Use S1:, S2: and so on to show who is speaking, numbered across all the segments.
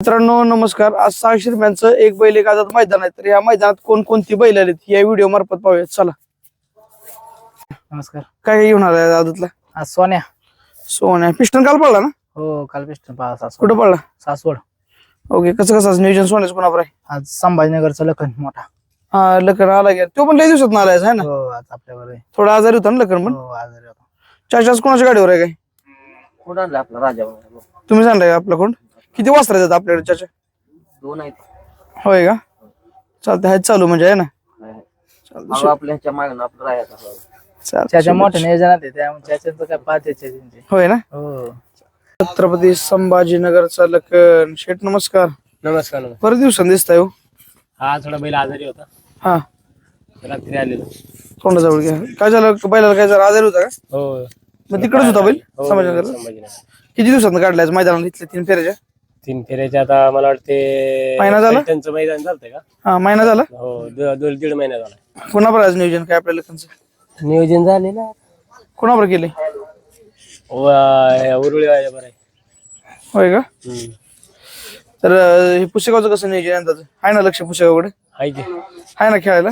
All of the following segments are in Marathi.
S1: मित्रांनो नमस्कार. आज 600 रुपयांचं एक बैल एक आझाद मैदान आहे. तर या मैदानात कोणकोणती बैल आलीत या व्हिडिओ मार्फत पाहूयात. चला.
S2: नमस्कार.
S1: काय घेऊन आलाय आझादला?
S2: आज सोन्या.
S1: सोन्या पिस्टन काल पडला ना?
S2: हो, काल पिस्टन
S1: कुठं पडला?
S2: सासवड.
S1: ओके. कसं नियोजन सोन्याचं कोणावर आहे?
S2: आज संभाजीनगरचा लखन मोठा.
S1: हा लखन आला गेला. तो पण लय दिवसात आलाय है ना?
S2: हो, आज आपल्यावर आहे.
S1: थोडा आजारी होता ना लखन पण?
S2: हो, आजारी होता.
S1: चाचाच कोणाच्या गाडीवर आहे काय?
S2: कोण आणला आपला राजा?
S1: तुम्ही सांगताय का आपला कोण? किती वाजता येतात आपल्याकडे चाचा?
S2: 2 आहेत.
S1: होय का? चालतंय. हाय चालू म्हणजे आहे ना?
S2: चालतंय. आपल्या ह्याच्या मागणं आपलं राहायचं.
S1: चालतंय.
S2: त्याच्या मोठ्या नियोजनात आहे, त्यामुळे त्याच्याचं काय पाच त्याचे.
S1: होय ना?
S2: हो.
S1: छत्रपती संभाजीनगरचा लखन शेठ नमस्कार.
S2: नमस्कार.
S1: बरेच दिवसांनी दिसताय हो.
S2: हा, थोडा बैल आजारी होता,
S1: हा
S2: रात्री आलेलो.
S1: तोंडाजवळ घ्या. काय झालं बैलाला? काय जरा आजारी होता का?
S2: हो.
S1: मग तिकडेच होता बैल
S2: हो,
S1: संभाजीनगर?
S2: संभाजीनगर.
S1: किती दिवसांत काढलाय मैदानात इथल्या 3 फेऱ्याच्या?
S2: 3 फेऱ्याचे आता मला वाटते
S1: महिना झाला?
S2: त्यांचं मैदान चालतंय का?
S1: हा महिना झाला.
S2: हो, 1.5 महिना झाला.
S1: कोणावर आज नियोजन काय आपल्या लखनचं?
S2: नियोजन झालेलं
S1: कोणावर केले?
S2: उरुळी बरं आहे.
S1: होय का? तर हे पुस्तकाचं कसं नियोजन अंदाज आहे ना? लक्ष पुस्तकाकडे
S2: आहे की?
S1: आहे ना खेळायला?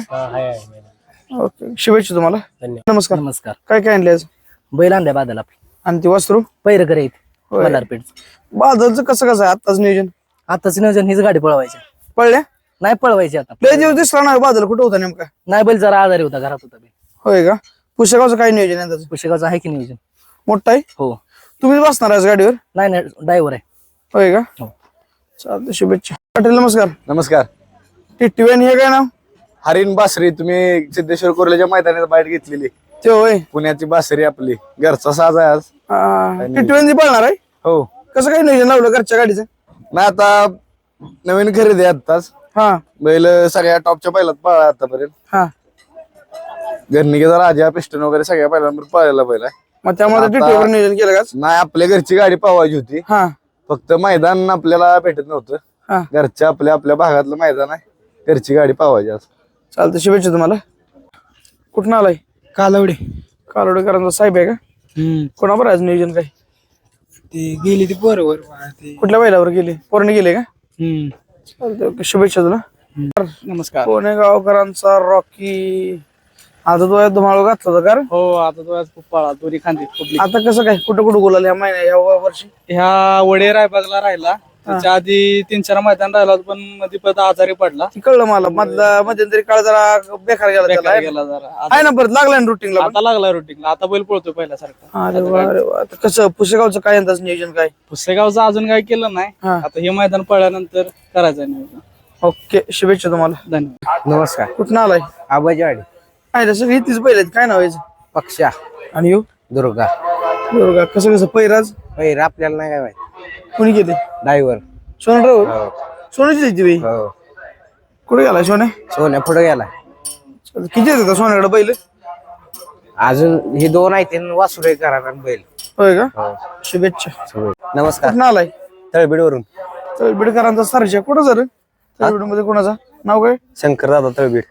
S1: ओके. शुभेच्छा तुम्हाला.
S2: धन्यवाद.
S1: नमस्कार.
S2: नमस्कार.
S1: काय काय आणले आज?
S2: बैल आणलाय बादल आपली.
S1: आणि ती वासरू
S2: पैर करे
S1: होय.
S2: मल्हारपेठ.
S1: बादलचं कसं आहे आताच नियोजन?
S2: आताच नियोजन हीच गाडी पळवायची.
S1: पळल्या
S2: नाही पळवायची आता.
S1: लय दिवस दिसला नाही बादल. कुठं होता नेमका?
S2: नाही, बैल जरा आजारी होता, घरात होता बैल.
S1: होय का? पुस्तकाचं काय नियोजन अंदाज?
S2: पुस्तकाचं आहे की नियोजन?
S1: मोठा आहे.
S2: हो.
S1: तुम्हीच बसणार आज गाडीवर?
S2: नाही, ड्रायव्हर आहे.
S1: होय का?
S2: हो.
S1: चालतंय. शुभेच्छा. पाटील नमस्कार.
S3: नमस्कार.
S1: टिट्टीवेन हे काय नाव?
S3: हरिण बासरी. तुम्ही सिद्धेश्वर कोरल्याच्या मैदानात बाहेर घेतलेली
S1: ते होय.
S3: पुण्याची बासरी आपली घरचा साज आहे आज.
S1: टिट्टीवेन पळणार आहे.
S3: हो.
S1: कसं काय नियोजन लावलं घरच्या गाडीचं?
S3: नाही आता नवीन खरेदी आहे आत्ताच.
S1: हा
S3: बैल सगळ्या टॉपच्या पहिल्यात पळला आतापर्यंत.
S1: हा
S3: घरनिकेचा राजा पिस्टन वगैरे सगळ्या पहिल्यांवर पळायला बैल आहे.
S1: मग त्यामुळे टिट्टीवर नियोजन केलं का?
S3: नाही, आपल्या घरची गाडी पळवायची होती.
S1: हा
S3: फक्त मैदान आपल्याला भेटत नव्हतं.
S1: हा
S3: घरच्या आपल्या भागातलं मैदान आहे. घरची गाडी पळवायची आज.
S1: चालतं. शुभेच्छा तुम्हाला. कुठं आलाय?
S2: कालवडे.
S1: कालोडेकरांचा साहेब आहे का? कोणावर आज नियोजन काय?
S2: ते गेली ती बरोबर.
S1: कुठल्या बैलावर गेले? पोराने गेले का? चालतंय. ओके. शुभेच्छा तुला.
S2: नमस्कार.
S1: पुणे गावकरांचा रॉकी आता तो धुमाळू घातला होता का रे?
S2: हो, आता तो खूप पळा, दोन्ही खांदी खूप.
S1: आता कसं काय कुठं बोलाल या महिन्या या वर्षी?
S2: ह्या वडे रायबागला राहिला, त्याच्या आधी 3-4 मैदान राहिला होता, पण मध्ये परत आजारी पडला.
S1: ती कळलं मला. मध्यंतरी काळ जरा बेकार गेला त्याला, आहे ना?
S2: गेला जरा.
S1: आहे ना? परत लागला ना रुटीनला?
S2: आता लागला रुटीन. आता बैल पळतो पहिल्यासारखा.
S1: अरे वा अरे वा. आता कसं पुसेगावचं काय अंदाज नियोजन काय?
S2: पुसेगावचं अजून काय केलं नाही.
S1: हा.
S2: आता हे मैदान पळल्यानंतर करायचं नियोजन.
S1: ओके. शुभेच्छा तुम्हाला.
S2: धन्यवाद.
S3: नमस्कार.
S1: कुठं आलाय?
S3: आबाजीवाडी.
S1: आहे तसं घेतलीच पहिले. काय नाव आहे?
S3: पक्षा.
S1: आणि येऊ
S3: दुर्गा.
S1: बरोबर. कसं पैराज
S3: पैर आपल्याला नाही काय माहिती.
S1: कोणी गेले?
S3: ड्रायव्हर.
S1: सोनराव. सोन्याची द्यायची बाई.
S3: हो.
S1: कुठे गेला सोन्या?
S3: सोन्या पुढे गेला.
S1: किती येतात सोन्याकडे बैल?
S3: अजून हे 2 आहेत. वासुरे करा बैल.
S1: होय का? शुभेच्छा.
S3: नमस्कार.
S1: कुठं आलाय?
S3: तळबीडवरून.
S1: तळबीडकरांचा सरजा कुठं जर? तळबीड मध्ये कोणाचा नाव काय?
S3: शंकर दादा तळबीड.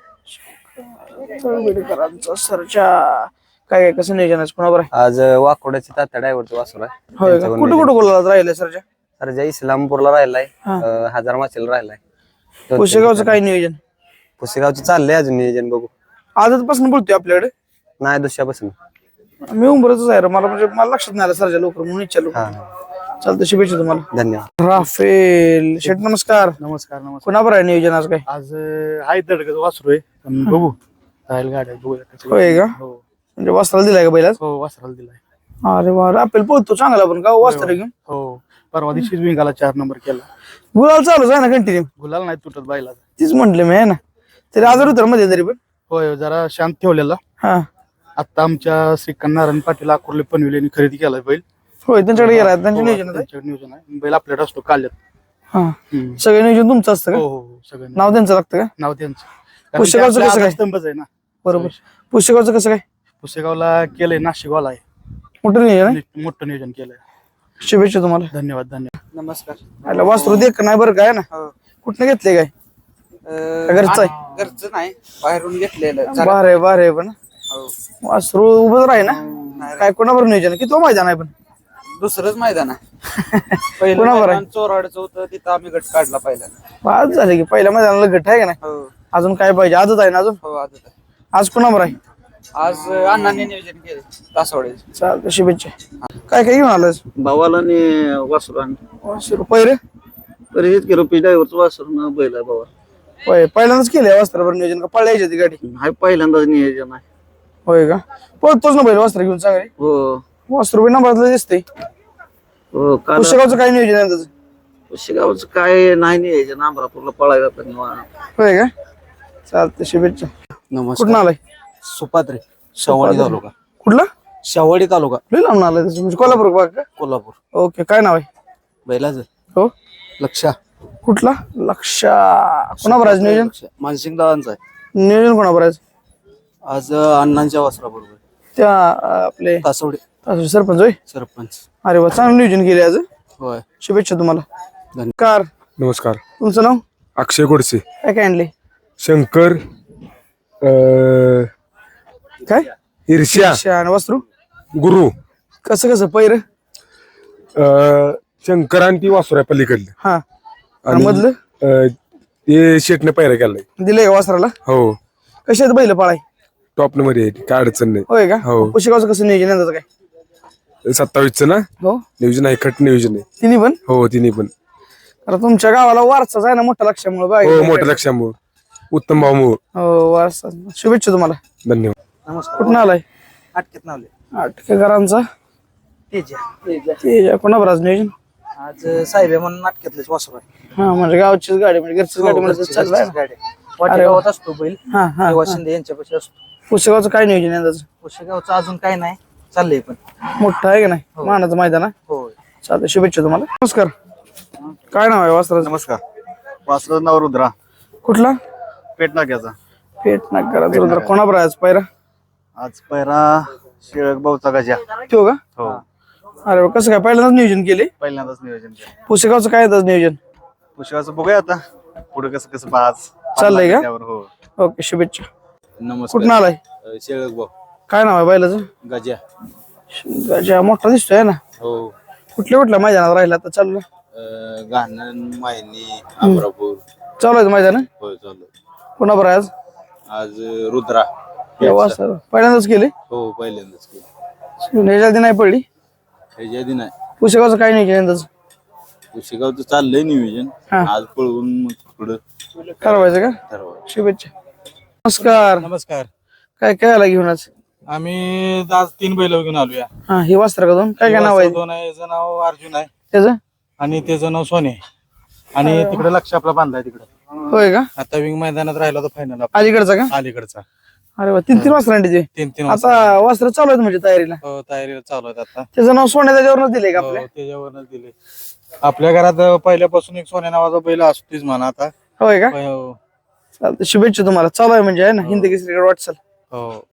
S1: तळबीडकरांचा सरजा. काय काय कसं नियोजन आहे? कोणावर आहे?
S3: आज वाकोड्याची तात्या ड्रायव्हरचं वासुर आहे.
S1: होय का? कुठं बोलायला राहिले सरजा?
S3: सरजा इस्लामपूरला राहिलाय.
S1: हा.
S3: हजार माचीला राहिलाय.
S1: पुसेगावचं काय नियोजन?
S3: पुसेगावचं चाललंय अजून नियोजन. बघू.
S1: आजपासून बोलतोय आपल्याकडे?
S3: नाही, दुसऱ्यापासून.
S1: मी उंबरच आहे रे. मला लक्षात नाही आलं सरजा लवकर म्हणून विचारलो. चालतं. शुभेच्छा तुम्हाला.
S3: धन्यवाद.
S1: राफेल शेठ नमस्कार.
S2: नमस्कार.
S1: कोणावर आहे नियोजन आज काय?
S2: आज आहे दडगत वासरू आहे, पण बघू राहील गाड्या
S1: होय का? म्हणजे वस्त्राला दिलाय का बैलाच?
S2: हो, वासराला दिलाय.
S1: अरे वा. राफेल पोहतो चांगला पण का वस्त्र घेऊन?
S2: हो, परवा दिवशीच विंगाला 4 नंबर केला.
S1: गुलाल चालूच आहे ना कंटिन्यू?
S2: गुलाल नाही तुटत बैला.
S1: तीच म्हंटले मी, आहे ना? तरी आजार होतं मध्ये तरी पण?
S2: होय, जरा शांत ठेवलेला.
S1: हा
S2: आता आमच्या श्रीकांत नारायण पाटील अकोर्ले पनवेल खरेदी केलाय बैल.
S1: होय. त्यांच्याकडे गेला त्यांच्या
S2: हो,
S1: नियोजन आहे?
S2: त्यांच्याकडे नियोजन आहे. बैल आपल्याकडे असतो काल्यात.
S1: हा सगळं नियोजन तुमचं असतं
S2: हो
S1: का?
S2: हो, सगळं
S1: नाव त्यांचं लागतं का?
S2: नाव त्यांचं.
S1: पुस्तकाचं कसं काय?
S2: स्तंभच आहे ना.
S1: बरोबर. पुस्तकाचं कसं काय?
S2: पुसेगावला केलंय, नाशिकवाला आहे.
S1: मोठं नियोजन आहे.
S2: मोठं नियोजन केलंय.
S1: शुभेच्छा तुम्हाला.
S2: धन्यवाद.
S1: नमस्कार. वासरू देख नाही बरं काय ना? कुठनं घेतले काय? घरचं आहे?
S4: घरचं नाही, बाहेरून घेतलेलं.
S1: बारे पण वासरू उभं राही ना? काय कोणावर नियोजन? किती मैदान आहे पण?
S4: दुसरंच मैदान आहे पहिलं
S1: कोणावर आहे?
S4: मैदान चोराडचं होतं तिथं आम्ही गट काढला पहिल्यांदा.
S1: आज झाले की पहिल्या मैदानाला गट आहे का नाही?
S4: हो
S1: अजून काय पाहिजे? आजच आहे ना अजून?
S4: हो आजच आहे.
S1: आज कोणावर आहे?
S4: आज अण्णांनी नियोजन केले तासवाडे.
S1: चालतं, शुभेच्छा. काय काय घेऊन आलास?
S5: भावाला आणि वासरू
S1: पहिरे
S5: परिचित केलं पी ड्रायव्हरचं वासरू बैल आहे भावा.
S1: होय, पहिल्यांदाच केलंय वस्त्रावर नियोजन का पळायची ती गाडी?
S5: हाय पहिल्यांदाच नियोजन आहे.
S1: होय का? पळतोच ना बैल वस्त्र घेऊन चांगले.
S5: हो
S1: वस्त्र बी नंबरातलं दिसतंय.
S5: हो काल
S1: पुस्तकाचं काय नियोजन आहे त्याचं?
S5: शिगावचं काय नाही नियोजन अमरापूरला पळायला पण
S1: होय का? चालतं, शुभेच्छा. कुठून आलाय?
S6: सुपात्रे शावडी तालुका.
S1: कुठला?
S6: शावडी तालुका
S1: लई लांब आलाय तसं, म्हणजे कोल्हापूर भाग का?
S6: कोल्हापूर.
S1: ओके, काय नाव आहे?
S6: बैलाच
S1: हो,
S6: लक्षा
S1: कुठला? लक्षा. कोणावर आज नियोजन?
S6: मानसिंग दादांचा आहे.
S1: नियोजन कोणावर आज?
S6: आज अण्णांच्या वासराबरोबर
S1: त्या आपले
S6: तासवडे
S1: सरपंच होय?
S6: सरपंच.
S1: अरे वा, चांगलं नियोजन केले आज.
S6: होय.
S1: शुभेच्छा तुम्हाला.
S6: धन्यवाद.
S1: कार
S7: नमस्कार.
S1: तुमचं नाव?
S7: अक्षय गोडसे.
S1: काय काय आणले?
S7: शंकर
S1: काय?
S7: ईर्ष्या
S1: शान वस्त्रू.
S7: गुरु
S1: कसं कसं पैर?
S7: शंकर आणि ती वासुर आहे पलीकडलं.
S1: हा, आणि
S7: आणि
S1: मधलं
S7: ते शेटने पैरा केलाय.
S1: दिलंय का वस्त्राला?
S7: हो,
S1: कशात बैल पाळाय?
S7: टॉप मध्ये आहे, काय अडचण नाही.
S1: होय का?
S7: हो.
S1: पुस्तकाचं कसं नियोजन आहे त्याचं काय?
S7: 27चं ना
S1: हो,
S7: नियोजन आहे, खट नियोजन आहे.
S1: तिन्ही पण.
S7: हो तिन्ही पण.
S1: आता तुमच्या गावाला वारसाच आहे ना मोठा लक्षामुळे
S7: हो
S1: बाय.
S7: मोठ्या लक्षामुळे उत्तम भाऊ
S1: हो, वारसा. शुभेच्छा तुम्हाला.
S7: धन्यवाद.
S1: कुठून आलाय?
S6: अटकेत नावले
S1: आटकेकरांचा तेजा. कोणावर आज नियोजन?
S6: आज साहेब म्हणून अटकेतलेच वासरू आहे.
S1: हा, म्हणजे गावचीच गाडी, म्हणजे घरचीच गाडी म्हणजे चालू आहे ना?
S6: वाटेगावात असतो बैल.
S1: हा हा.
S6: तेव्हा शिंदे यांच्यापाशी असतो.
S1: पुस्तकाचं काय नियोजन आहे त्याचं?
S6: पुशेगावचं अजून काय नाही चाललंय पण.
S1: मोठं आहे का नाही? मानाचं मैदान आहे.
S6: होय.
S1: चालतं, शुभेच्छा तुम्हाला. नमस्कार. काय नाव आहे वस्त्राचं?
S3: नमस्कार. वासराचं नाव रुद्रा.
S1: कुठला?
S3: पेटनाक्याचा.
S1: पेट नाकारा. कोणावर आहे आज पायरा?
S3: आज पैरा शिळक भाऊचा गजा.
S1: तो का?
S3: हो,
S1: अरे वा, कसं काय पहिल्यांदाच नियोजन केले?
S3: पहिल्यांदाच नियोजन केलं.
S1: पुस्तकाचं काय आहे त्याचं नियोजन?
S3: पुष्कळाचं बघूया आता पुढे कसं कसं पाच
S1: चाललंय का?
S3: त्यावर. हो.
S1: ओके, शुभेच्छा.
S2: नमस्कार.
S1: कुठून आलाय?
S2: शेळक भाऊ
S1: काय नाव आहे बैलाचं?
S2: गजा.
S1: गजा मोठा दिसतोय ना.
S2: हो.
S1: कुठल्या मैदानात राहिला आता? चालू
S2: घाणन मायनी अमरापूर.
S1: चालू आहे मैदान.
S2: होय चालू.
S1: कोणावर आहे आज?
S2: आज रुद्रा.
S1: पहिल्यांदाच केले?
S2: हो पहिल्यांदाच केलं.
S1: ह्याच्या आधी नाही पडली?
S2: ह्याच्या आधी नाही.
S1: पुस्तकाचं काय नियोजन आहे त्याचं?
S2: शिगावचं चाललंय नियोजन.
S1: हा.
S2: आज पळवून मग पुढं
S1: ठरवायचं का?
S2: ठरवा.
S1: शुभेच्छा. नमस्कार.
S2: नमस्कार.
S1: काय काय आला घेऊन आज?
S2: आम्ही आज 3 बैल घेऊन आलोया.
S1: हा, ही वस्त्र का दोन? काय काय नाव आहे
S2: दोन आहे. याचं नाव अर्जुन आहे
S1: त्याचं?
S2: आणि त्याचं नाव सोने आहे. आणि तिकडे लक्ष आपला बांधलाय तिकडे.
S1: होय का?
S2: आता विंग मैदानात राहिला होता फायनल
S1: अलीकडचा का?
S2: अलीकडचा.
S1: अरे वा, 3 वस्त्रांचे.
S2: 3
S1: आता वस्त्र चालू आहेत म्हणजे तयारीला.
S2: तयारीला चालू आहेत आता.
S1: त्याचं नाव सोन्या त्याच्यावरच दिले का आपल्या?
S2: त्याच्यावरच दिले. आपल्या घरात पहिल्यापासून एक सोन्या नावाचा बैल असतोच म्हणा आता.
S1: होय का?
S2: हो.
S1: चालतं, शुभेच्छा तुम्हाला. चालू आहे म्हणजे आहे ना हिंद केसरी वाटचाल.
S2: हो.